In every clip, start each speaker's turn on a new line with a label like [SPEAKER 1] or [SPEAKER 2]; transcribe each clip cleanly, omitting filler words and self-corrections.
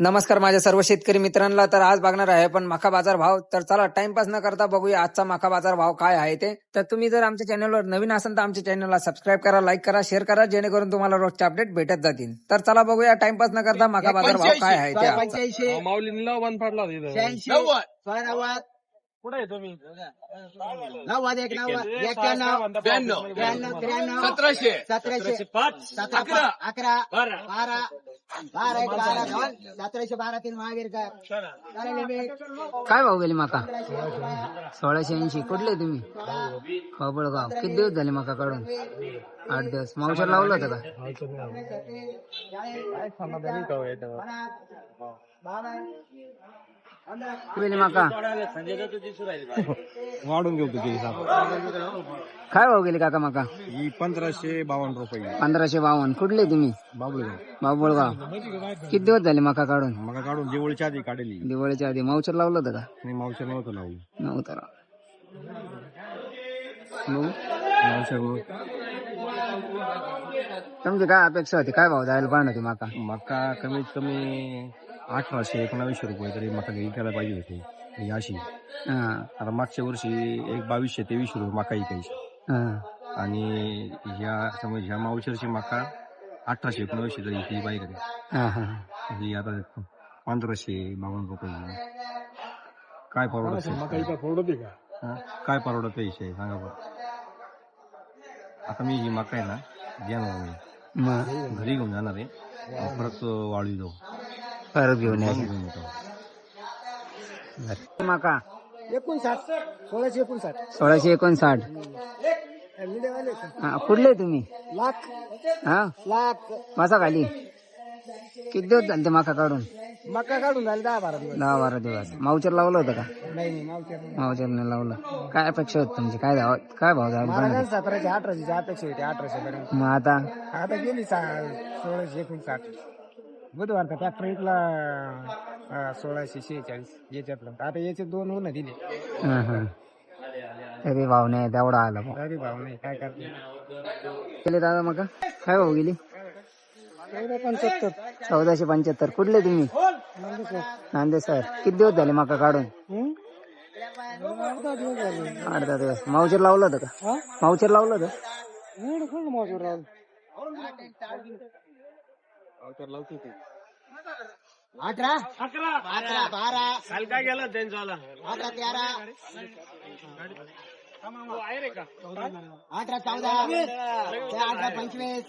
[SPEAKER 1] नमस्कार माझ्या सर्व शेतकरी मित्रांना. तर आज बघणार आहे पण मका बाजार भाव. तर चला टाइमपास न करता बघूया आजचा मका बाजार भाव काय आहे ते. तर तुम्ही जर आमच्या चॅनलवर नवीन असाल तर आमच्या चॅनलला सबस्क्राईब करा, लाईक करा, शेअर करा, जेणेकरून तुम्हाला रोजचे अपडेट भेटत जातील. तर चला बघूया टाइमपास न करता मका बाजार भाव काय आहे ते आजचा.
[SPEAKER 2] माऊलींना वन फाडला कुठे आहे तुम्ही?
[SPEAKER 3] 1712 महावीर का
[SPEAKER 1] काय भाव गेली मका? 1680. कुठले तुम्ही? बाबळगाव. किती दिवस झाले मका काढून? 8 दिवस. मावशर लावलं होतं का? मका
[SPEAKER 2] वाढून घेऊ तुझी
[SPEAKER 1] काय भाव गेली काका मका?
[SPEAKER 2] ही 1552 रुपये.
[SPEAKER 1] 1552. कुठले तुम्ही?
[SPEAKER 2] बाबुळगाव.
[SPEAKER 1] बाबुळगाव. किती दिवस झाले मका काढून?
[SPEAKER 2] मग काढून दिवाळीच्या आधी काढली.
[SPEAKER 1] दिवाळीच्या आधी. मावचर लावलं होतं का?
[SPEAKER 2] मी मावशर नव्हतं लावू.
[SPEAKER 1] नव्हतं. तुमची काय अपेक्षा होती? काय भाव जायला पाहिजे होती मका?
[SPEAKER 2] मका कमीत कमी 1800-1900 रुपये तरी मका विकायला पाहिजे होते. ही अशी आता मागच्या वर्षी एक 2200-2300 रुपये मका विकायची. आणि ह्या मावशरची मका 1800-1900 तरी विकली पाहिजे. ही आता 1552 रुपये. काय परवडत? काय परवडत विषय सांगा बरं. आता मी ही मका आहे ना घेणार नाही, घरी घेऊन जाणार आहे, परत वाळू जाऊ,
[SPEAKER 1] परत घेऊन
[SPEAKER 2] येतो.
[SPEAKER 1] मका
[SPEAKER 3] 1659.
[SPEAKER 1] 1659. कुठले तुम्ही?
[SPEAKER 3] लाख
[SPEAKER 1] मासा खाली. किती दिवस झाले ते मका काढून?
[SPEAKER 3] मका काढून झाले 10-12 दिवस.
[SPEAKER 1] 10-12 दिवस. मावचर लावलं होतं का?
[SPEAKER 3] नाही
[SPEAKER 1] मावचरने लावलं. काय अपेक्षा होती तुमची? काय भाव जायला पाहिजे?
[SPEAKER 3] 1700-1800 अपेक्षा होती. 1800 पर्यंत.
[SPEAKER 1] मग आता
[SPEAKER 3] गेली 1659. बुधवारचा ट्रॅक्टर इथला 1646 याच्यातलं. आता याचे 2 होणं दिले
[SPEAKER 1] तरी भाव नाही तेवढा आला.
[SPEAKER 3] तरी भाव नाही. काय करते
[SPEAKER 1] गेले दादा मका? काय भाव गेली? 1475. कुठले तुम्ही? नांदे सर. किती दिवस झाले मका काढून? 8-10 दिवस. मावचर लावलं होतं का? मावचर लावलं होतं?
[SPEAKER 3] 18 12
[SPEAKER 2] काल काय गेला त्यांचा
[SPEAKER 3] 18
[SPEAKER 2] आहे रे का?
[SPEAKER 3] 18 14 18 25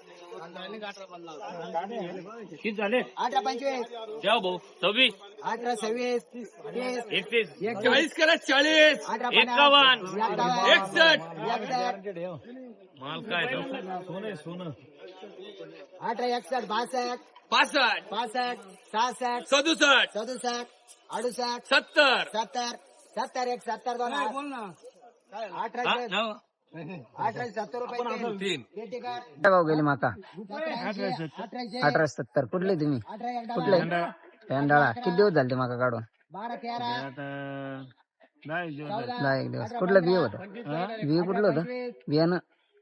[SPEAKER 2] किती झाले?
[SPEAKER 3] 18 25
[SPEAKER 2] द्या भाऊ 26
[SPEAKER 3] 18 26
[SPEAKER 2] 31 40 करा 40 51 61 माल काय सोनं
[SPEAKER 3] 18 61 62
[SPEAKER 2] 65
[SPEAKER 3] 65 66
[SPEAKER 2] 67
[SPEAKER 3] 67 68
[SPEAKER 2] 70
[SPEAKER 3] 70 70 1 70 2 बोल ना 18 70 रुपये
[SPEAKER 2] तीन.
[SPEAKER 1] काय भाव गेले मका? 1870. कुठले तुम्ही? कुठले? पेंडाळा. किती दिवस झाले ते मका काढून?
[SPEAKER 3] 12 13
[SPEAKER 1] 10 एक दिवस. कुठलं बिय होतं? बिय कुठलं होतं? बियाणं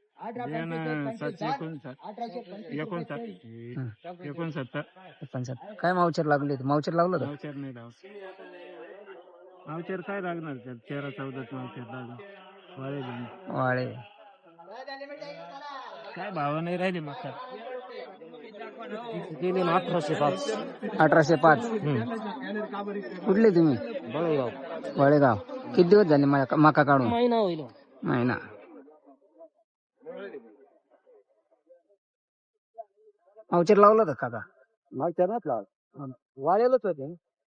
[SPEAKER 1] 69. काय मावचर लागले? मावचर लावलं होतं?
[SPEAKER 2] मावचर काय लागणार? 13-14 मावचर
[SPEAKER 1] वाळे.
[SPEAKER 2] काय भाव नाही राहिले मका.
[SPEAKER 1] 1805. कुठले तुम्ही? वळेगाव. किती दिवस झाले मका काढून? महिना. मावचर लावलं होतं काका?
[SPEAKER 3] मागच्या नाच लाव वाळेलच होते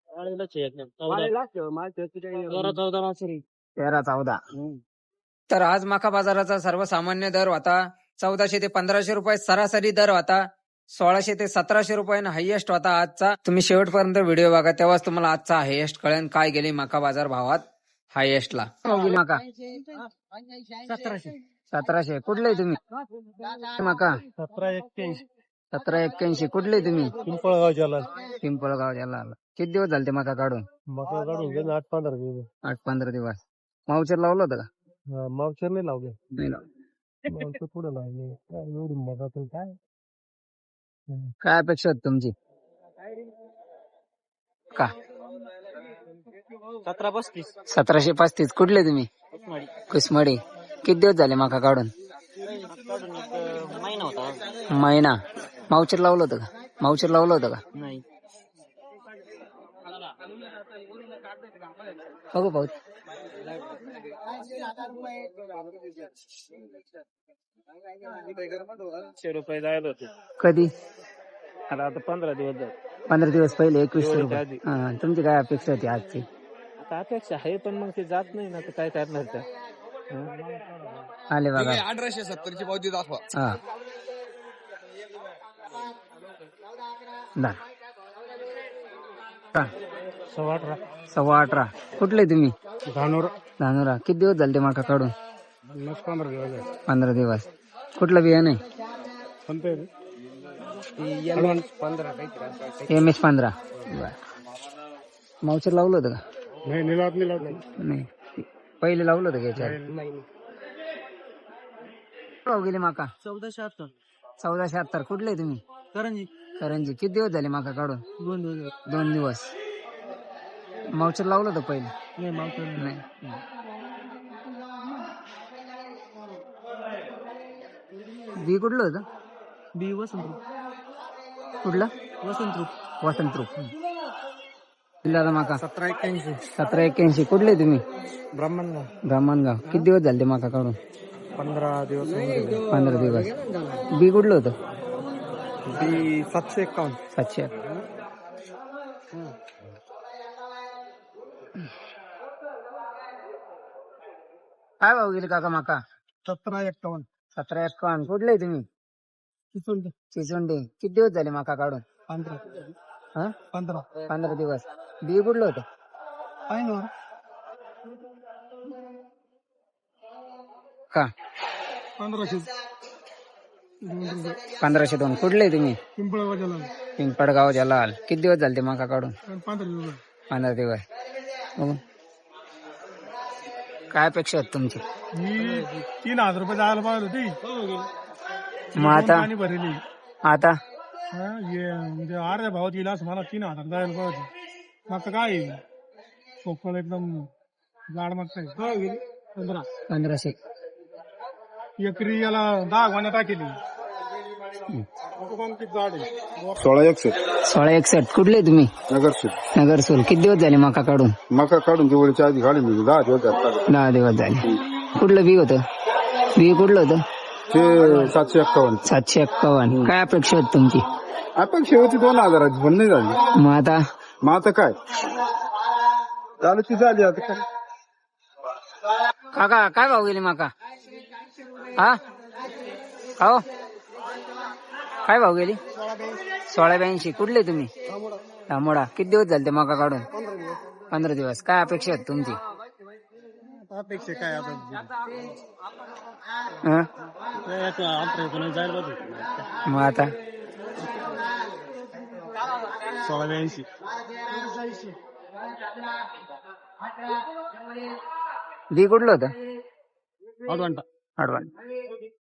[SPEAKER 1] 13-14. तर आज मका बाजाराचा सर्वसामान्य दर होता 1400 ते 1500 रुपये. सरासरी दर होता 1600 ते 1700 रुपयानं हायएस्ट होता आजचा. तुम्ही शेवटपर्यंत व्हिडिओ बघा, तेव्हाच तुम्हाला आजचा हायएस्ट कळेल काय गेली मका बाजार भावात हायएस्टला. मका 1700. कुठले तुम्ही? मका 1781. कुठले तुम्ही?
[SPEAKER 2] पिंपळगाव जलाल.
[SPEAKER 1] पिंपळगाव जलाल. किती दिवस झाले ते मका काढून?
[SPEAKER 2] मका काढून 8-15 दिवस.
[SPEAKER 1] 8-15 दिवस. मावचर लावलं होतं का?
[SPEAKER 2] मावचर नाही लावले.
[SPEAKER 1] नाही लावलं.
[SPEAKER 2] मावचर पुढे लावले. एवढी मका काय
[SPEAKER 1] काय अपेक्षा होती तुमची? का
[SPEAKER 3] 1735.
[SPEAKER 1] 1735. कुठले तुम्ही? कुसमडी. किती दिवस झाले मका काढून?
[SPEAKER 3] महिना होता.
[SPEAKER 1] महिना. मावचर लावलं होतं का? मावचर लावलं होतं का?
[SPEAKER 3] नाही.
[SPEAKER 1] बघू भाऊ.
[SPEAKER 3] 100 रुपये जायला होते.
[SPEAKER 1] कधी?
[SPEAKER 3] आता 15 दिवस झाले.
[SPEAKER 1] 15 दिवस पहिले 2100
[SPEAKER 3] दिवाळीच्या
[SPEAKER 1] रुपये.
[SPEAKER 3] आधी.
[SPEAKER 1] हा, तुमची काय अपेक्षा होती आजची?
[SPEAKER 3] आता अपेक्षा आहे पण मग ते जात नाही ना, तर काय करणार त्या.
[SPEAKER 1] आले बघा.
[SPEAKER 2] 1870 पावती दाखवा.
[SPEAKER 1] हा. दा. का? 18.25. कुठले तुम्ही? धानोरा. किती दिवस झाले ते मका काढून? 15 दिवस. कुठलं बियाणं आहे? MS15. मावचर लावलं होतं का? नाही. पहिले लावलं होतं का याच्यावर? भाव गेले माका? 1476. कुठले तुम्ही? करंजी. किती दिवस झाले माका काढून? 2 दिवस. मावचर लावलं होतं पहिले? नाही. बी कुठलं होतं? कुठलं? वसंतरूप. किल्ल्याला माका? 1781. कुठले तुम्ही? ब्राह्मणगाव. किती दिवस झाले ते माका काढून?
[SPEAKER 3] 15 दिवस.
[SPEAKER 1] 15 दिवस. बी कुठलं होतं?
[SPEAKER 3] 751.
[SPEAKER 1] 700. काय भाव गेले काका माका?
[SPEAKER 3] 1751.
[SPEAKER 1] 1751. कुठले तुम्ही? चिचोंडे. किती दिवस झाले माका काढून? 15 दिवस. बी कुठलं होतं? का? 1502. कुठले तुम्ही? पिंपळगाव जलाल. किती दिवस झाले ते माका काढून? 15 दिवस. बघू. काय अपेक्षा आहेत तुमची?
[SPEAKER 3] 3000 रुपये जायला पाहिजे होती.
[SPEAKER 1] मग आता?
[SPEAKER 3] म्हणजे अर्ध्या भावात येईल असं मला 3000 जायला पाहिजे. मग काय सोपं एकदम जाड मागताय.
[SPEAKER 1] 1500.
[SPEAKER 3] एकरी याला 10 गोण्या टाकेली.
[SPEAKER 1] 1661. कुठले तुम्ही? नगरसूल. किती दिवस झाले मका काढून?
[SPEAKER 2] मका काढून दिवाळीच्या आधी काढून 10 दिवस झाले.
[SPEAKER 1] 10 दिवस झाले. कुठलं बी होतं? बी कुठलं होतं?
[SPEAKER 2] ते 751.
[SPEAKER 1] 751. काय अपेक्षा होती तुमची?
[SPEAKER 2] आपण शेवटी 2000 पण नाही झाली.
[SPEAKER 1] मग आता
[SPEAKER 2] काय झालं ती झाली. आता काय
[SPEAKER 1] काका काय भाव गेले माका? हा हो. काय भाव गेली? 1682. कुठले तुम्ही? तांबोडा. किती दिवस झाले ते मका काढून? 15 दिवस. काय अपेक्षा आहेत तुमची?
[SPEAKER 3] अपेक्षा काय
[SPEAKER 1] मग आता
[SPEAKER 3] 1682.
[SPEAKER 1] बी कुठलं होतं?
[SPEAKER 3] अडवांटा.
[SPEAKER 1] अडवाण.